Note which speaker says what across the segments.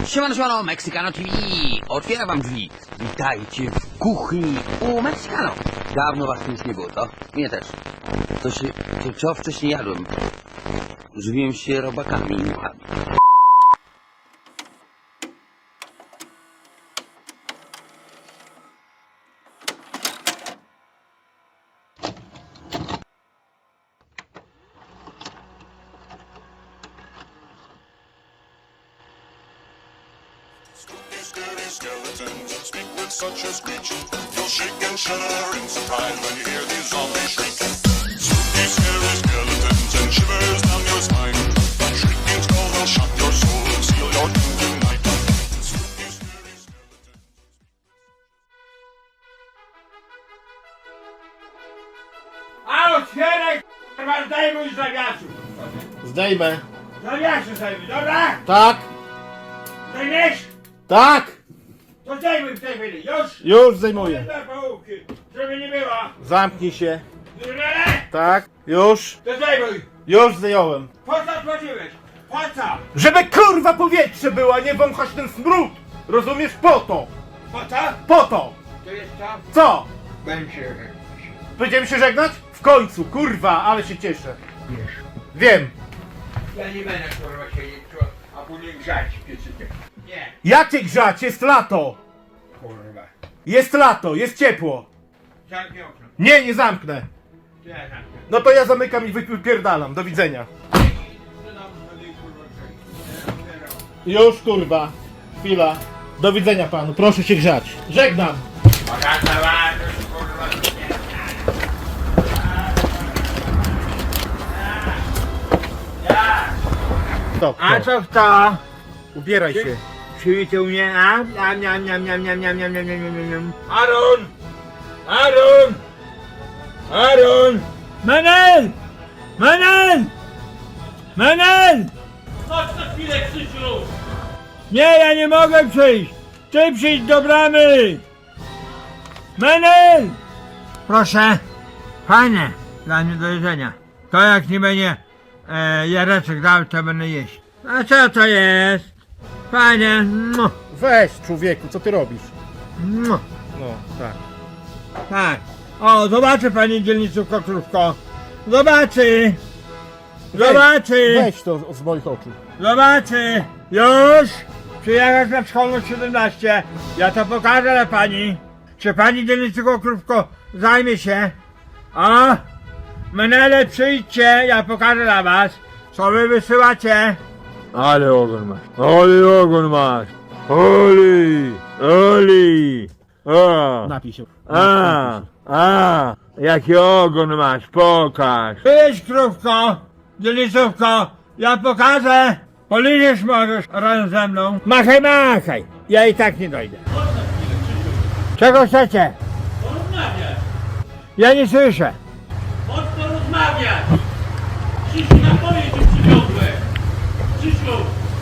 Speaker 1: Siemano, Mexicano TV! Otwiera wam drzwi. Witajcie w kuchni u Mexicano. Dawno was tu już nie było, to? Mnie też. Co wcześniej jadłem? Żywiłem się robakami i muchami.
Speaker 2: Skeletons speak with such a screech. You'll shake and shudder in surprise when you hear these zombies shriek. Spooky, scary skeletons and shivers down your spine. That shrieking skull will shock your soul and seal your doom tonight. Spooky, scary skeletons.
Speaker 3: A otwieraj, k***a, zdejmuj z zawiasu!
Speaker 4: Zdejmę.
Speaker 3: Zawiasy zdejmuj, dobra?
Speaker 4: Tak,
Speaker 3: Zdejmiesz?
Speaker 4: tak,
Speaker 3: To zdejmuj w tej chwili, już!
Speaker 4: już zdejmuję.
Speaker 3: Dla połówki, żeby nie było.
Speaker 4: Zamknij się.
Speaker 3: Zrozumiane?
Speaker 4: Tak, już,
Speaker 3: To zdejmuj.
Speaker 4: już zdjąłem.
Speaker 3: Po co otworzyłeś? Po co?
Speaker 4: Żeby kurwa powietrze było, a nie wąchać ten smród. Rozumiesz? Po to,
Speaker 3: Po co?
Speaker 4: po to.
Speaker 3: To jest to?
Speaker 4: Co?
Speaker 3: Będę się...
Speaker 4: Będziemy się żegnać? W końcu, kurwa, ale się cieszę.
Speaker 3: Wiesz.
Speaker 4: Wiem.
Speaker 3: Ja nie będę kurwa siedzieć tu, a później grzać piecykiem. Nie.
Speaker 4: Jak cię grzać? Jest lato.
Speaker 3: Kurwa.
Speaker 4: Jest lato, jest ciepło.
Speaker 3: Zamknij okno.
Speaker 4: Nie, nie zamknę.
Speaker 3: Ja zamknę.
Speaker 4: No to ja zamykam i wypierdalam. Do widzenia.
Speaker 3: To nam sobie kurwa grzej.
Speaker 4: Już, kurwa. Chwila. Do widzenia panu. Proszę się grzać. Żegnam.
Speaker 3: Bogata wartość, kurwa.
Speaker 4: Stop,
Speaker 3: A
Speaker 4: stop.
Speaker 3: co kto?
Speaker 4: Ubieraj się.
Speaker 3: Przywitał mnie, a? Aaron! Aaron! Aaron! Menel! Menel! Menel!
Speaker 5: Chodź na chwilę, Krzysiu!
Speaker 3: Nie, ja nie mogę przyjść! Ty przyjdź do bramy! Menel! Proszę. Fajne. Dla mnie do jedzenia. To jak nie będzie Jareczek dał, to będę jeść. A co to jest? Fajnie.
Speaker 4: Weź, człowieku, co ty robisz? No, tak.
Speaker 3: Tak. O, zobaczy pani dzielnicówko Krówko. Zobaczy. Zobaczy.
Speaker 4: Weź to z moich oczu.
Speaker 3: Zobaczy. Już. Przyjechać na szkolność 17. Ja to pokażę dla pani. Czy pani dzielnicówko Krówko zajmie się? O. Menele, przyjdźcie. Ja pokażę dla was. Co wy wysyłacie? Ale ogon masz. Ale ogon masz. Oli. Oli. O.
Speaker 4: Napij się.
Speaker 3: Jaki ogon masz, pokaż. Idź, krówko, dzielnicówko, ja pokażę. Poliżesz możesz razem ze mną. Machaj, machaj, ja i tak nie dojdę.
Speaker 5: Chodź na chwilę, Krzysiu!
Speaker 3: Czego chcecie?
Speaker 5: Porozmawiać!
Speaker 3: Ja nie słyszę.
Speaker 5: Chodź porozmawiać! Krzysiu, napoje ci przywiozłem! Krzysiu!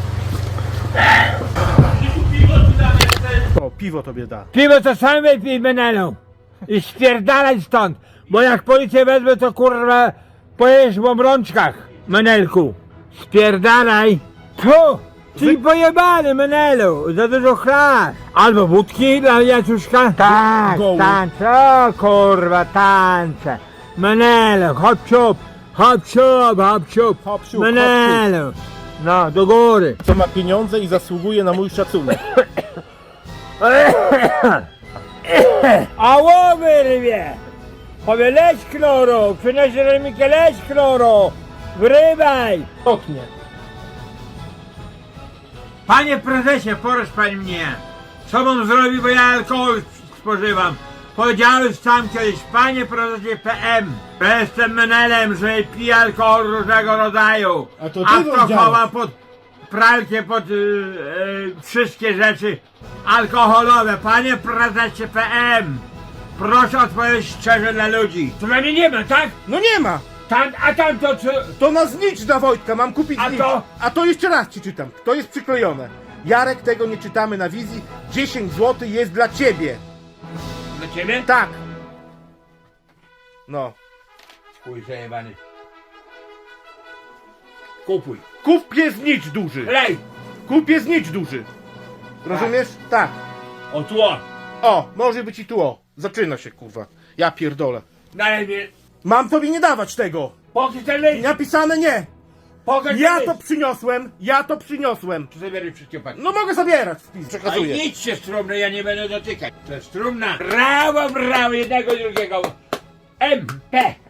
Speaker 5: Krzysiu, piwo ci dam jeszcze!
Speaker 4: O, piwo tobie da.
Speaker 3: Piwo to sam wypij, Menelu. I spierdalaj stąd, bo jak policję wezmę, to kurwa pojedziesz w obrączkach, Menelku. Spierdalaj. Tu! Ty pojebany, Menelu, za dużo chlasz. Albo wódki dla Jacuszka? Tak,
Speaker 4: Goły.
Speaker 3: tańczę, o kurwa, tańczę. Menelu, hop ciup, hop ciup, hop ciup.
Speaker 4: Hop siup,
Speaker 3: Menelu. No, do góry.
Speaker 4: Co ma pieniądze i zasługuje na mój szacunek.
Speaker 3: A łowy rybie! Powie leć kloro, przyniesie remikę leć kloro! Wrybaj!
Speaker 4: Oknie.
Speaker 3: Panie prezesie, poradź pan mnie! Co mam zrobić, bo ja alkohol spożywam? Powiedziałem sam kiedyś, panie prezesie PM, że jestem menelem, że piję alkohol różnego rodzaju.
Speaker 4: A to ty
Speaker 3: to
Speaker 4: powiedziałeś.
Speaker 3: chowam pod pralkę, pod wszystkie rzeczy alkoholowe. Panie prezesie PM, proszę odpowiedzieć szczerze dla ludzi. To dla mnie nie ma, tak?
Speaker 4: No nie ma.
Speaker 3: A tam to co?
Speaker 4: To na znicz dla Wojtka, mam kupić
Speaker 3: A
Speaker 4: znicz.
Speaker 3: to?
Speaker 4: A to jeszcze raz ci czytam. To jest przyklejone. Jarek, tego nie czytamy na wizji. 10 zł jest dla ciebie.
Speaker 3: Dla ciebie?
Speaker 4: Tak. No.
Speaker 3: Chuj zajebany. Kupuj.
Speaker 4: Kup znicz duży.
Speaker 3: Lej!
Speaker 4: Kup znicz duży. Rozumiesz? Tak.
Speaker 3: O tło.
Speaker 4: O, może być i tu o. Zaczyna się, kurwa. Ja pierdolę.
Speaker 3: Dalej mnie.
Speaker 4: Mam tobie nie dawać tego.
Speaker 3: Pokaż ten list.
Speaker 4: Napisane nie.
Speaker 3: Pokaż
Speaker 4: Ja
Speaker 3: ten
Speaker 4: to
Speaker 3: list.
Speaker 4: przyniosłem. Ja to przyniosłem.
Speaker 3: Zabieraj wszystkie pani.
Speaker 4: No mogę zabierać. Wpis,
Speaker 3: A
Speaker 4: przekazuję.
Speaker 3: idźcie z trumny, ja nie będę dotykać. To jest trumna. Brawo, brawo, jednego, drugiego. MP.